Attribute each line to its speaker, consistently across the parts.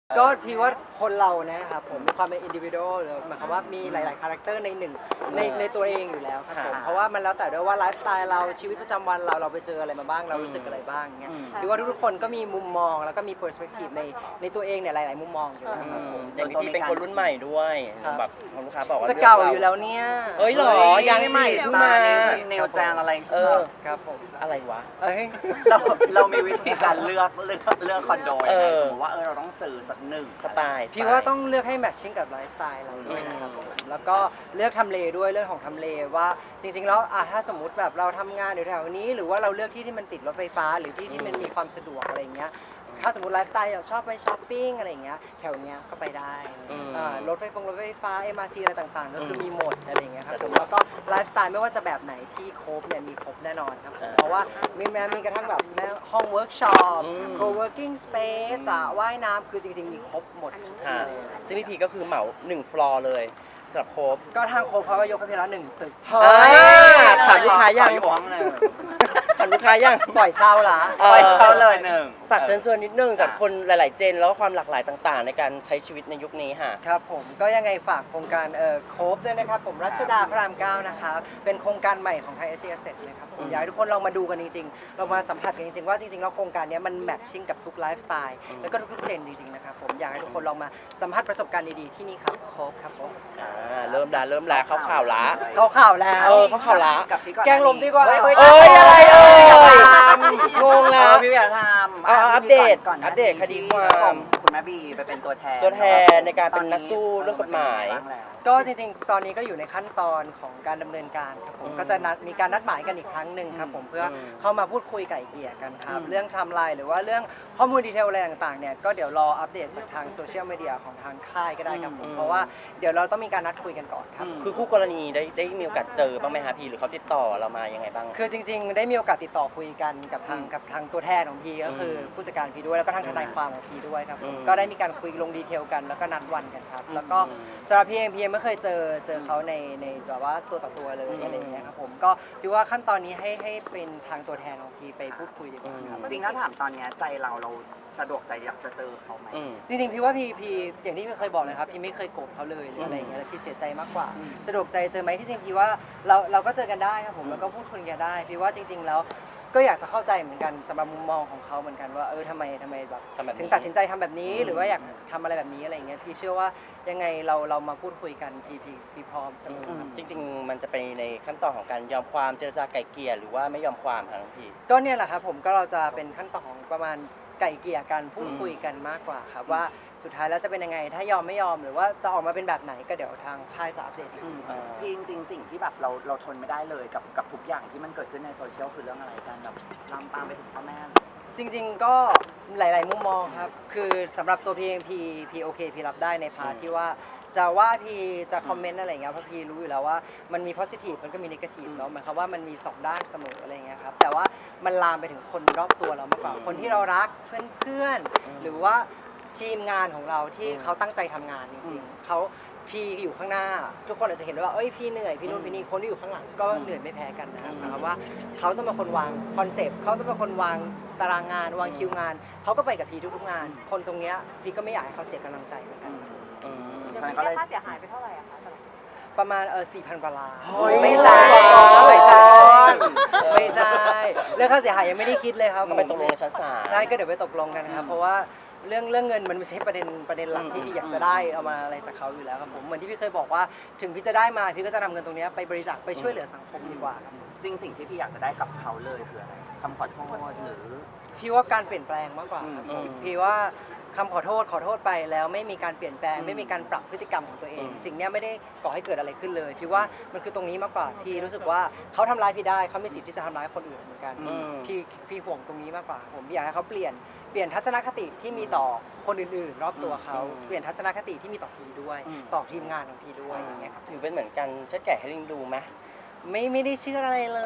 Speaker 1: ก็พี่ว่าคนเรานะครับผมมีความเป็นอินดิวิโดหรือหมายความว่ามีหลายๆคาแรคเตอร์ในหนึ่งในตัวเองอยู่แล้วครับผมเพราะว่ามันแล้วแต่ด้วยว่าไลฟ์สไตล์เราชีวิตประจำวันเราไปเจออะไรมาบ้างเรารู้สึกอะไรบ้างเงี้ยพี่ว่าทุกๆคนก็มีมุมมองแล้วก็มีเปอร์สเปกทีฟในตัวเองเนี่ยหลายๆมุมมองอยู่แล้วครับผม
Speaker 2: อย่างพี่เป็นคนรุ่นใหม่ด้วยแบบลูกค้าบอกว่า
Speaker 1: จะเก่าอยู่แล้วเนี่ย
Speaker 2: เอ้ยหรอยังใหม่เพิ่งมา
Speaker 3: แนวจางอะไร
Speaker 1: ครับผม
Speaker 2: อะไรวะ
Speaker 1: เอ้ย
Speaker 3: เรามีวิธีการเลือกคอนโดยังไงสมมติว่าเราต้องซื้อสักหนึ่ง
Speaker 2: สไตล์
Speaker 1: พี่ว่าต้องเลือกให้แมทชิ่งกับไลฟ์สไตล์เราด้วยนะครับผมแล้วก็เลือกทำเลด้วยเรื่องของทำเลว่าจริงๆแล้วถ้าสมมติแบบเราทำงานอยู่แถวนี้หรือว่าเราเลือกที่มันติดรถไฟฟ้าหรือที่มันมีความสะดวกอะไรอย่างเงี้ยถ้าสมมติไลฟ์สไตล์ชอบไปช้อปปิ้งอะไรอย่างเงี้ยแถวเนี้ยก็ไปได้รถไฟฟ้า MRT อะไรต่างๆก็คือมีหมดอะไรอย่างเงี้ยครับผมแล้วก็ไลฟ์สไตล์ไม่ว่าจะแบบไหนที่ครบเนี่ยมีครบแน่นอนครับเพราะว่ามีกระทั่งแบบห้องเวิร์กช็อป co-working space สระว่ายน้ำคือจริงๆมีครบหมด
Speaker 2: ซึ่งพี่พีก็คือเหมา1 ฟลอร์เลยสำหรับโคบ
Speaker 1: ก็ทางโคเขาก็ยกให้พี่ละ1 ตึก
Speaker 2: ถามลูกค้ายัง
Speaker 3: หวงเลย
Speaker 2: ถามลูกค้ายัง
Speaker 1: ปล่อยเศร้าละ
Speaker 3: ไปเช่าเลยหนึ่ง
Speaker 2: ฝากเชิญชวนนิดนึงกับคนหลาย ๆ เจนแล้วก็ความหลากหลายต่าง ๆ ในการใช้ชีวิตในยุคนี้ค่ะ
Speaker 1: ครับผมก็ยังไงฝากโครงการโคฟด้วยนะครับผมรัชดาพระราม 9นะครับเป็นโครงการใหม่ของไทยเอเชียเซ็ตเลยครับผมอยากให้ทุกคนลองมาดูกันจริงๆเรามาสัมผัสกันจริงๆว่าจริงๆแล้วโครงการนี้มันแมทชิ่งกับทุกไลฟ์สไตล์แล้วก็ทุกๆเจนจริงๆนะครับผมอยากให้ทุกคนลองมาสัมผัสประสบการณ์ดีๆที่นี่ครับโคฟครับผม
Speaker 2: เริ่มแล้วเข้าข่าวละ
Speaker 1: เข้าข่าวแล้ว
Speaker 2: เข้าข่าวละ
Speaker 3: กับที่ก่อน
Speaker 1: แกงลมดีกว่า
Speaker 2: เอ้ยอะไรงงแล้ว
Speaker 3: พี่อยากทำ
Speaker 2: อัปเดต
Speaker 3: ก่อน
Speaker 2: อัปเดตคดีความ
Speaker 3: คุณแม่บีไปเป็นตัวแทน
Speaker 2: ในการเป็นนักสู้เรื่องกฎหมาย
Speaker 1: ก็จริงๆ ตอนนี้ก็อยู่ในขั้นตอนของการดำเนินการครับผมก็จะมีการนัดหมายกันอีกครั้งหนึ่งครับผมเพื่อเข้ามาพูดคุยไก่เกลี่ยกันครับเรื่องไทม์ไลน์หรือว่าเรื่องข้อมูลดีเทลอะไรต่างๆเนี่ยก็เดี๋ยวรออัปเดตจากทางโซเชียลมีเดียของทางค่ายก็ได้ครับผมเพราะว่าเดี๋ยวเราต้องมีการนัดคุยกันก่อนครับ
Speaker 2: คือคู่กรณีได้มีโอกาสเจอบ้างไหมฮะพี่หรือเขาติดต่อเรามายังไงบ้าง
Speaker 1: คือจริงๆ ได้มีโอกาสติดต่อคุยกันกับทางตัวแทนของพีก็คือผู้จัดการพีด้วยแล้วก็ทางทนายความของพีด้วยครับผมก็ได้มีการคุยลงดีเทลกันแล้วก็นัดวันกันครับแล้วก็สำหรับพีเองพีไม่เคยเจอเขาในแบบว่าตัวต่อตัวเลยอะไรอย่างเงี้ยครับผมก็พี่ว่าขั้นตอนนี้ให้เป็นทางตัวแทนของพีไปพูดคุยดีกว่าครับ
Speaker 3: จริงๆถ้าถามตอนนี้ใจเราสะดวกใจอยากจะเจอเขาไหม
Speaker 1: จริงๆพี่ว่าพีอย่างที่พี่เคยบอกเลยครับพี่ไม่เคยโกรธเขาเลยหรืออะไรอย่างเงี้ยแต่พี่เสียใจมากกว่าสะดวกใจเจอไหมที่จริงพี่ว่าเราก็เจอกันได้ครับผมแล้วก็พูดคุยกันได้พี่ว่าจริง ๆ แล้วก็อยากจะเข้าใจเหมือนกันสำหรับมุมมองของเขาเหมือนกันว่าทำไมแบบถึงตัดสินใจทำแบบนี้หรือว่าอยากทำอะไรแบบนี้อะไรอย่างเงี้ยพี่เชื่อว่ายังไงเรามาพูดคุยกันพี่พร้อมเสมอครับ
Speaker 2: จริงๆมันจะไปในขั้นตอนของการยอมความเจรจาไกล่เกลี่ยหรือว่าไม่ยอมความทั้งที
Speaker 1: ก็เนี่ยแหละครับผมก็เราจะเป็นขั้นตอนของประมาณไก่เกลี่ยกันพูดคุยกันมากกว่าครับว่าสุดท้ายแล้วจะเป็นยังไงถ้ายอมไม่ยอมหรือว่าจะออกมาเป็นแบบไหนก็เดี๋ยวทางค่ายจะอัปเดตอีกที
Speaker 3: พี่จริงๆสิ่งที่แบบเราทนไม่ได้เลยกับทุกอย่างที่มันเกิดขึ้นในโซเชียลคือเรื่องอะไรกันแบบลามปามไปถึงพ่อแม่
Speaker 1: จริงๆก็หลายๆมุมมองครับคือสำหรับตัวพี่เองพี่โอเคพี่รับได้ในพาร์ทที่ว่าจะว่าพี่จะคอมเมนต์อะไรอย่างเงี้ยเพราะพี่รู้อยู่แล้วว่ามันมี positive มันก็มี negative เนาะหมายความว่ามันมี2ด้านเสมออะไรอย่างเงี้ยครับแต่ว่ามันลามไปถึงคนรอบตัวเรามากกว่าคนที่เรารักเพื่อนๆหรือว่าทีมงานของเราที่เขาตั้งใจทำงานจริงๆเขาพี่อยู่ข้างหน้าทุกคนอาจจะเห็นว่าพี่เหนื่อยพี่นู่นพี่นี่คนที่อยู่ข้างหลังก็เหนื่อยไม่แพ้กันนะครับว่าเขาต้องเป็นคนวางคอนเซปต์เขาต้องเป็นคนวางตารางงานวางคิวงานเขาก็ไปกับพี่ทุกๆงานคนตรงเนี้ยพี่ก็ไม่อยากให้เขาเสียกำลังใจเหมือนกัน
Speaker 4: อย่างนี้ได้ค่าเสียหายไปเท่าไหร่อะคะ
Speaker 1: ประมาณ4,000 กว่าล้าน
Speaker 3: ไม่
Speaker 1: ไม่
Speaker 3: ใช่
Speaker 1: ใช่ไม่ใช่เรื่องค่าเสียหายยังไม่ได้คิดเลยครับ
Speaker 2: ก็ไปตกลงในชั้นศาล
Speaker 1: ใช่ก็เดี๋ยวไปตกลงกันนะครับเพราะว่าเรื่องเงินมันไม่ใช่ประเด็นหลักที่พี่อยากจะได้เอามาอะไรจากเขาอยู่แล้วครับผมเหมือนที่พี่เคยบอกว่าถึงพี่จะได้มาพี่ก็จะนำเงินตรงนี้ไปบริจาคไปช่วยเหลือสังคมดีกว่าครับ
Speaker 3: จริงสิ่งที่พี่อยากจะได้กับเขาเลยคืออะไรคำขอโทษหรือ
Speaker 1: พี่ว่าการเปลี่ยนแปลงมากกว่าครับผมพี่ว่าคำขอโทษไปแล้วไม่มีการเปลี่ยนแปลงไม่มีการปรับพฤติกรรมของตัวเอง สิ่งนี้ไม่ได้ก่อให้เกิดอะไรขึ้นเลยพี่ว่ามันคือตรงนี้มากกว่าพี่รู้สึกว่าเขาทำร้ายพี่ได้เขามีสิทธิ์ที่จะทำร้ายคนอื่นเหมือนกันพี่ห่วงตรงนี้มากกว่าผมอยากให้เขาเปลี่ยนทัศนคติที่มีต่อคนอื่นๆรอบตัวเขาเปลี่ยนทัศนคติที่มีต่อพี่ด้วยต่อทีมงานของพี่ด้วยอย่างเงี้ยครับ
Speaker 2: ถือเป็นเหมือนกันเช็ดแก่ให้ลิงดูไหม
Speaker 1: ไม่ได้เชื่ออะไรเลย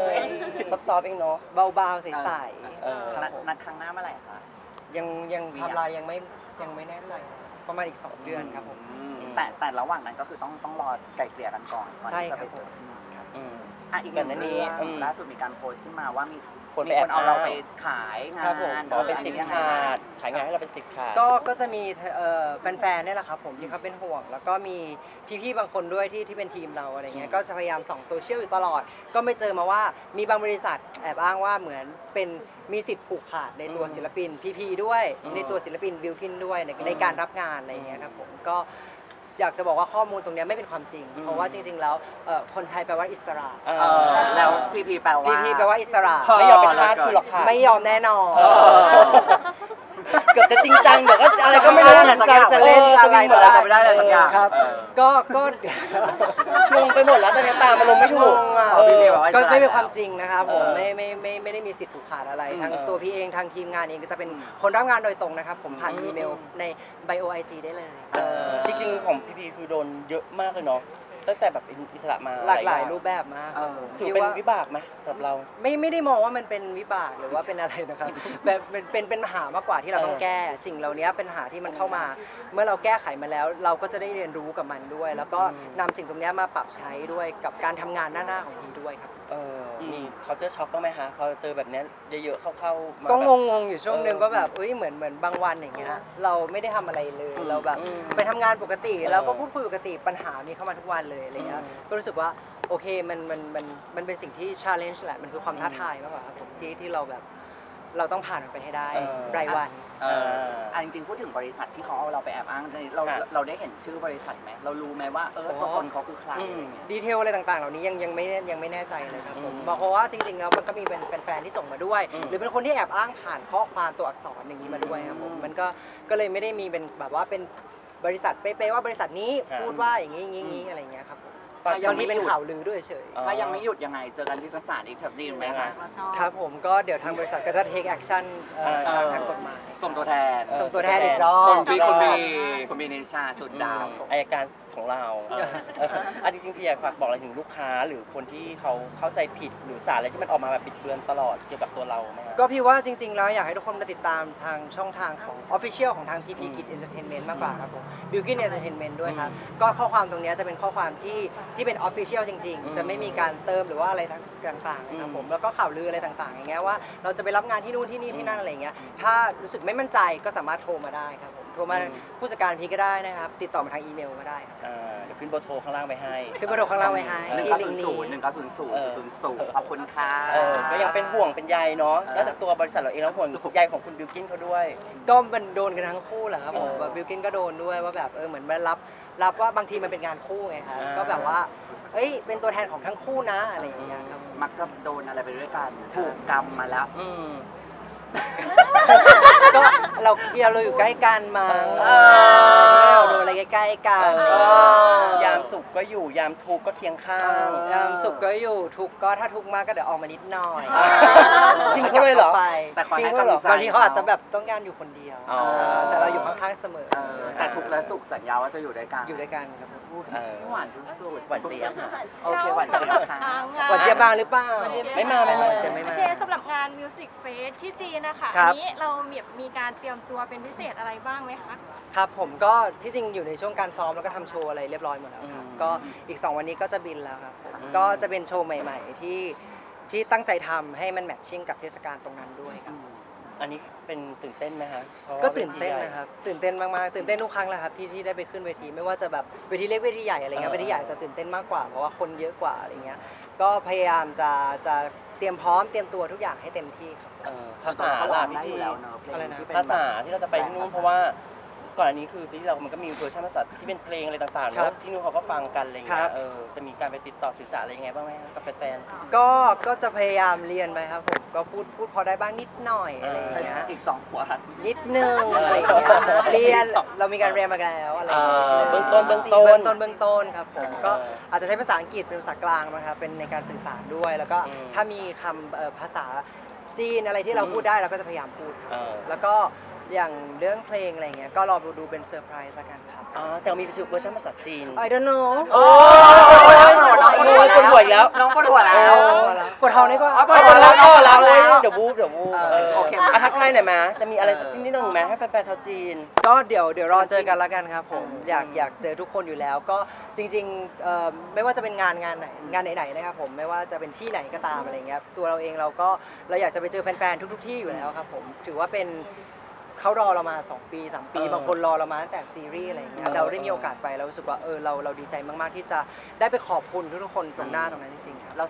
Speaker 2: ซอฟๆเองเนาะ
Speaker 1: เบาๆใสๆครับผม
Speaker 3: นัดครั้งหน้าเมื่อไหร่คะ
Speaker 1: ยังทำลายยังไม่แน่ใจประมาณอีก2 เดือนครับผม
Speaker 3: แต่ระหว่างนั้นก็คือต้องรอไก่เกลี่ยกันก่อนที่จะไปเจออีกหนึ่งเรื่องล่าสุดมีการโพสต์ขึ้นมาว่ามี
Speaker 2: คนไป
Speaker 3: มี
Speaker 2: แอ
Speaker 3: ค
Speaker 2: บ
Speaker 3: นเอาเราไปขายงา
Speaker 2: ครับผม
Speaker 3: น
Speaker 2: ขอเป็น
Speaker 3: อั
Speaker 2: สิทธิ์
Speaker 3: ยังไง
Speaker 2: ขา
Speaker 3: บ้าง
Speaker 2: ดขายงานให้เราเป็นสิทธิ์ขาด
Speaker 1: ก็จะมีแฟนๆเนี่ยแหละครับผมที่เขาเป็นห่วง แล้วก็มีพี่ๆบางคนด้วยที่เป็นทีมเราอะไรเงี้ยก็จะพยายามส่องโซเชียลอยู่ตลอด ก็ไม่เจอมาว่ามีบางบริษัทแอบอ้างว่าเหมือนเป็นมีสิทธิ์ผูกขาดในตัวศิลปินพีด้วย ในตัวศิลปินบิลกินด้วยในการรับงานอะไรเงี้ยครับผมก็อยากจะบอกว่าข้อมูลตรงเนี้ยไม่เป็นความจริง เพราะว่าจริงๆแล้วคนไทยแปลว่าอิสระ
Speaker 3: แล้วพีแปลว่า
Speaker 1: พีแปลว่าอิสระ
Speaker 2: ไม่ยอมเป็นทาสคุณหรอกค่ะ
Speaker 1: ไม่ยอมแน่นอน
Speaker 2: เออ เกือบจะจริงจังเดี๋ยวก็อะไรก็ไม่รู้
Speaker 1: จริงจังจะเล่นอะไร
Speaker 3: เหมือนเราไม่ได้อะไรสักอย่าง
Speaker 1: ครับ
Speaker 3: เออ
Speaker 1: ก็
Speaker 2: งงไปหมดแล้วตอนนี้ตามอารมณ์ไม่ถูก
Speaker 1: อ่ะ
Speaker 2: เออ
Speaker 3: พี่บอกว่า
Speaker 1: ก็ไม่เป็นความจริงนะครับผม
Speaker 2: เออ
Speaker 1: ไม่ได้มีสิทธิ์ผูกขาดอะไรทั้ง
Speaker 2: เออ
Speaker 1: ตัวพี่เองทางทีมงานเองก็จะเป็นคนรับงานโดยตรงนะครับผมผ่าน
Speaker 2: อืม
Speaker 1: อีเมลใน bio IG ได้เลย
Speaker 2: จริงๆของพีคือโดนเยอะมากเลยเนาะตั้งแต่แบบอิสระมา
Speaker 1: หลากหลาย
Speaker 2: อง
Speaker 1: รูปแบบมาก
Speaker 3: เออ
Speaker 2: ถือ
Speaker 1: พี่
Speaker 2: เป็น
Speaker 1: ว่า
Speaker 2: วิบากไหมสำหรับเรา
Speaker 1: ไม่ได้มองว่ามันเป็นวิบากหรือว่าเป็นอะไรนะครับ แบบเป็นปัญหามากกว่าที่เราต้องแก้สิ่งเหล่านี้เป็นปัญหาที่มันเข้ามา เมื่อเราแก้ไขมาแล้ว เราก็จะได้เรียนรู้กับมันด้วย แล้วก็นำสิ่งตรงนี้มาปรับใช้ด้วยกับการทำงานหน้าๆของพีด้วยครับ
Speaker 2: มีเขาเจอช็อกบ้างไหมคะพอเจอแบบเนี้ยเยอะๆเข้าๆมา
Speaker 1: ก็
Speaker 2: แบบ
Speaker 1: งงอยู่ช่วงหนึ่งก็แบบเหมือนบางวันอย่างเงี้ยเราไม่ได้ทำอะไรเลยเราแบบ
Speaker 2: อืม
Speaker 1: ไปทำงานปกติ
Speaker 2: เออ
Speaker 1: แล้วก็พูดคุยปกติปัญหามีเข้ามาทุกวันเลยอะไรเงี้ย
Speaker 2: อืม
Speaker 1: ก็รู้สึกว่าโอเคมันเป็นสิ่งที่ challenge แหละมันคือความท้าทายมากกว่าครับผมที่เราแบบเราต้องผ่านมันไปให้ได้
Speaker 2: เออ
Speaker 1: รายวัน
Speaker 3: จริงๆพูดถึงบริษัทที่เขาเอาเราไปแอบอ้างเราได้เห็นชื่อบริษัทไหมเรารู้ไหมว่าตัวตนเขาคือใครอะไรเงี้ย
Speaker 1: ดีเทลอะไรต่างๆ เหล่านี้ยังไม่แน่ใจเลยครับผม
Speaker 2: อืม
Speaker 1: บอกเพราะว่าจริงๆแล้วมันก็มีเป็นแฟนๆที่ส่งมาด้วย
Speaker 2: อืม
Speaker 1: หรือเป็นคนที่แอบอ้างผ่านข้อความตัวอักษรอย่างนี้มาด้วยครับผม
Speaker 2: อืม
Speaker 1: มันก็เลยไม่ได้มีเป็นแบบว่าเป็นบริษัทเป๊ะๆว่าบริษัทนี้
Speaker 2: ครับ
Speaker 1: พูดว่าอย่างนี้อะไรอย่างเงี้ยครับผม
Speaker 2: ฝาก
Speaker 3: ยั
Speaker 1: บาง ง
Speaker 3: ไม่
Speaker 1: ทีเป็น
Speaker 3: หยุด
Speaker 1: ข่าวลือด้วยเฉย
Speaker 2: อ๋อ
Speaker 3: ถ้ายังไม่หยุดยังไงเจอกันที่ศาลอีกแถบดีไหมคะ
Speaker 1: ครับผมก็เดี๋ยวทางบริษัทก็จะ take action ทางกฎหมาย
Speaker 3: ส่งตัวแทน
Speaker 1: ส่งตัวแทนอีกรอบ
Speaker 3: คุณบีนิชาสุดดาว
Speaker 2: อายการของเราจริงๆพี่อยากฝากบอกอะไรถึงลูกค้าหรือคนที่เขาเข้าใจผิดหรือสารอะไรที่มันออกมาแบบบิดเบือนตลอดเกี่ยวกับตัวเราไหมครับ
Speaker 1: ก็พี่ว่าจริงๆแล้วอยากให้ทุกคนมาติดตามทางช่องทางของ Official ของทาง PP Kid Entertainment มากกว่าครับผม Bilkin Entertainment ด้วยครับ ก็ข้อความตรงเนี้ยจะเป็นข้อความที่เป็น Official จริง
Speaker 2: อืม
Speaker 1: ๆ จะไม่มีการเติมหรือว่าอะไรต่างๆนะครับผมแล้วก็ข่าวลืออะไรต่างๆ อย่างเงี้ยว่าเราจะไปรับงานที่นู่นที่นี่ที่นั่นอะไรเงี้ยถ้ารู้สึกไม่มั่นใจก็สามารถโทรมาได้ครับผมโทรมาผู้จัดการพีก็ได้นะครับติดต่อมาทางอีเมลก็ได้ครับ
Speaker 2: เดี๋ยวขึ้นเบอร์โทรข้างล่างไปให้
Speaker 1: ขึ้นเบอร์โทรข้างล่างไว้ให้
Speaker 3: หนึ่ง
Speaker 1: ที่
Speaker 3: เก้า
Speaker 1: ลิ
Speaker 3: ศู
Speaker 1: ง
Speaker 3: น
Speaker 1: ก์
Speaker 3: ย์
Speaker 1: นี้
Speaker 3: ศูนย์1900000ขอบคุณค่ะ
Speaker 2: ก็ยังเป็นห่วงเป็นใยเนาะ
Speaker 3: เออ
Speaker 2: นอกจากตัวบริษัทเราเองแล้วห่วงใยของคุณบิวกินเขาด้วย
Speaker 1: ก็มันโดนกันทั้งคู่แหละครับผม
Speaker 2: เออ
Speaker 1: แบบบิลกินก็โดนด้วยว่าแบบเหมือนมารับว่าบางทีมันเป็นงานคู่ไงครับ
Speaker 2: อ่า
Speaker 1: ก็แบบว่าเอ้ยเป็นตัวแทนของทั้งคู่นะอะไรอย่างเงี้ยครับ
Speaker 3: มักจะโดนอะไรไปด้วยกันถูกกรรมมาแล้ว
Speaker 1: ก็เราอยู่ใกล้กันมั้ง
Speaker 3: เออ
Speaker 1: เราโดนอะไรใกล้ๆกัน
Speaker 2: ยามสุขก็อยู่ยามทุกข์ก็เคียงข้าง
Speaker 1: ยามสุขก็อยู่ทุกข์ก็ถ้าทุกข์มากก็เดี๋ยวออกมานิดหน่อย
Speaker 2: ทิ้งเขาเลยเหรอ
Speaker 1: ไป
Speaker 3: แต่คอย
Speaker 2: จริ
Speaker 3: ให้
Speaker 2: งด้วยเหรอ
Speaker 3: กำลังใจ
Speaker 1: บางทีเขาอาจจะแบบต้องการอยู่คนเดียว
Speaker 2: อ๋อ
Speaker 1: แต่เราอยู่ข้างๆเสมอ
Speaker 3: แต่ทุกข์และสุขสัญญาว่าจะอยู่ด้วยกัน
Speaker 1: อยู่ด้วยกันครับพูด
Speaker 3: หวานสุดๆ
Speaker 2: หวานเจี๊ยบค่ะ
Speaker 3: โอเคหวานเจี๊ยบค่ะ
Speaker 1: หวานเจี๊ยบมาหรือเปล่า
Speaker 2: ไม่มา
Speaker 1: เจี๊ยบไม่
Speaker 4: โอ
Speaker 1: มา
Speaker 4: เคสำหรับงาน Music Fest ที่จีนนะคะ
Speaker 1: ครั
Speaker 4: อั
Speaker 1: บ
Speaker 4: นี้เรามีการเตรียมตัวเป็นพิเศษอะไรบ้างไหมคะ
Speaker 1: ครับผมก็ที่จริงอยู่ในช่วงการซ้อมแล้วก็ทำโชว์อะไรเรียบร้อยหมดแล้วครับ
Speaker 2: อืม
Speaker 1: ก็อีก 2 วันนี้ก็จะบินแล้วครับผม
Speaker 2: อืม
Speaker 1: ก็จะเป็นโชว์ใหม่ ๆ ที่ตั้งใจทำให้มันแมทชิ่งกับเทศกาลตรงนั้นด้วยครับ
Speaker 2: อันนี้เป็นตื่นเต้นไหมคะพราะว่า
Speaker 1: ก็ตื่นเต้น
Speaker 2: วทีใหญ่
Speaker 1: นะครับตื่นเต้นมากๆตื่นเต้นทุกครั้งแหละครับที่ได้ไปขึ้นเวทีไม่ว่าจะแบบเวทีเล็กเวทีใหญ่อะไรเงี้ย
Speaker 2: เออ
Speaker 1: เวทีใหญ่จะตื่นเต้นมากกว่าเพราะว่าคนเยอะกว่าอะไรเงี้ยก็พยายามจะเตรียมพร้อมเตรียมตัวทุกอย่างให้เต็มที่ครับ
Speaker 2: ภาษาล่ะพี่
Speaker 3: ได้อ
Speaker 2: พี่
Speaker 3: ยู่แล้วเนอะเพลง
Speaker 1: อะไรนะ
Speaker 3: ที่เป็น
Speaker 2: ภาษาที่เราจะไปที่นู่นเพราะว่าก่อนอันนี้คือซีรีส์เรามันก็มีเวอร์ชันภาษาที่เป็นเพลงอะไรต่างๆ
Speaker 1: ครั
Speaker 2: แล้
Speaker 1: บ
Speaker 2: วที่นู่นเขาก็ฟังกันอะไรอย่าง
Speaker 1: ครั
Speaker 2: เงี้
Speaker 1: บ
Speaker 2: ยจะมีการไปติดต่อสื่อสารอะไรยังไงบ้างไหมคะกับแฟน
Speaker 1: ก็จะพยายามเรียนไปครับผมก็พูดพอได้บ้างนิดหน่อยอะไรอย่างเงี้ย
Speaker 3: อีก2 ขวด
Speaker 1: นิดนึงอะไรอย่างเงี้ยเรียนเรามีการเรียนมาแล้วอะไรอย่างเงี้ย
Speaker 2: เบื้องต้น
Speaker 1: เบื้องต้นครับผมก็อาจจะใช้ภาษาอังกฤษเป็นภาษากลางนะครับเป็นในการสื่อสารด้วย แล้วก็ถ้ามีคำภาษาจีนอะไรที่เราพูดได้เราก็จะพยายามพูดครับ
Speaker 2: ๆ
Speaker 1: แล้วก็อย่างเรื่องเพลงอะไรเงี้ยก็รอดูเป็นเซอร์ไพรส์ละกันครับ
Speaker 2: แต่มีเวอร์ชันภาษาจีน
Speaker 1: I don't know
Speaker 2: โอ้
Speaker 3: น้องปวดหัว
Speaker 2: ปวดหัวอีกแล้ว
Speaker 3: น้องปวดหัวแล้ว
Speaker 1: ปวดท้องนี่ก็
Speaker 3: ปว
Speaker 2: เอา
Speaker 3: ดหั
Speaker 2: คน
Speaker 3: แล้
Speaker 2: ละ
Speaker 3: ว
Speaker 2: ก็แล้วเลยเดี๋ยวบูบ
Speaker 3: โอเค
Speaker 2: ทักทายหน่อยไหมจะมีอะไรสักนิดนึงไหมให้แฟนๆชาวจีน
Speaker 1: ก็เดี๋ยวรอเจอกันแล้วกันครับผมอยากเจอทุกคนอยู่แล้วก็จริงๆไม่ว่าจะเป็นงานไหนนะครับผมไม่ว่าจะเป็นที่ไหนก็ตามอะไรเงี้ยตัวเราเองเราอยากจะไปเจอแฟนๆทุกๆที่อยู่แล้วครับผมถือว่าเป็นเขารอเรามา2 ปี 3 ปี บางคนรอเรามาตั้งแต่ซีรีส์อะไรเงี้ยเราได้มีโอกาสไปเรารู้สึกว่าเราดีใจมากๆที่จะได้ไปขอบคุณทุกๆคนตรงหน้าตรงนั้นจริงๆครับ
Speaker 3: เรา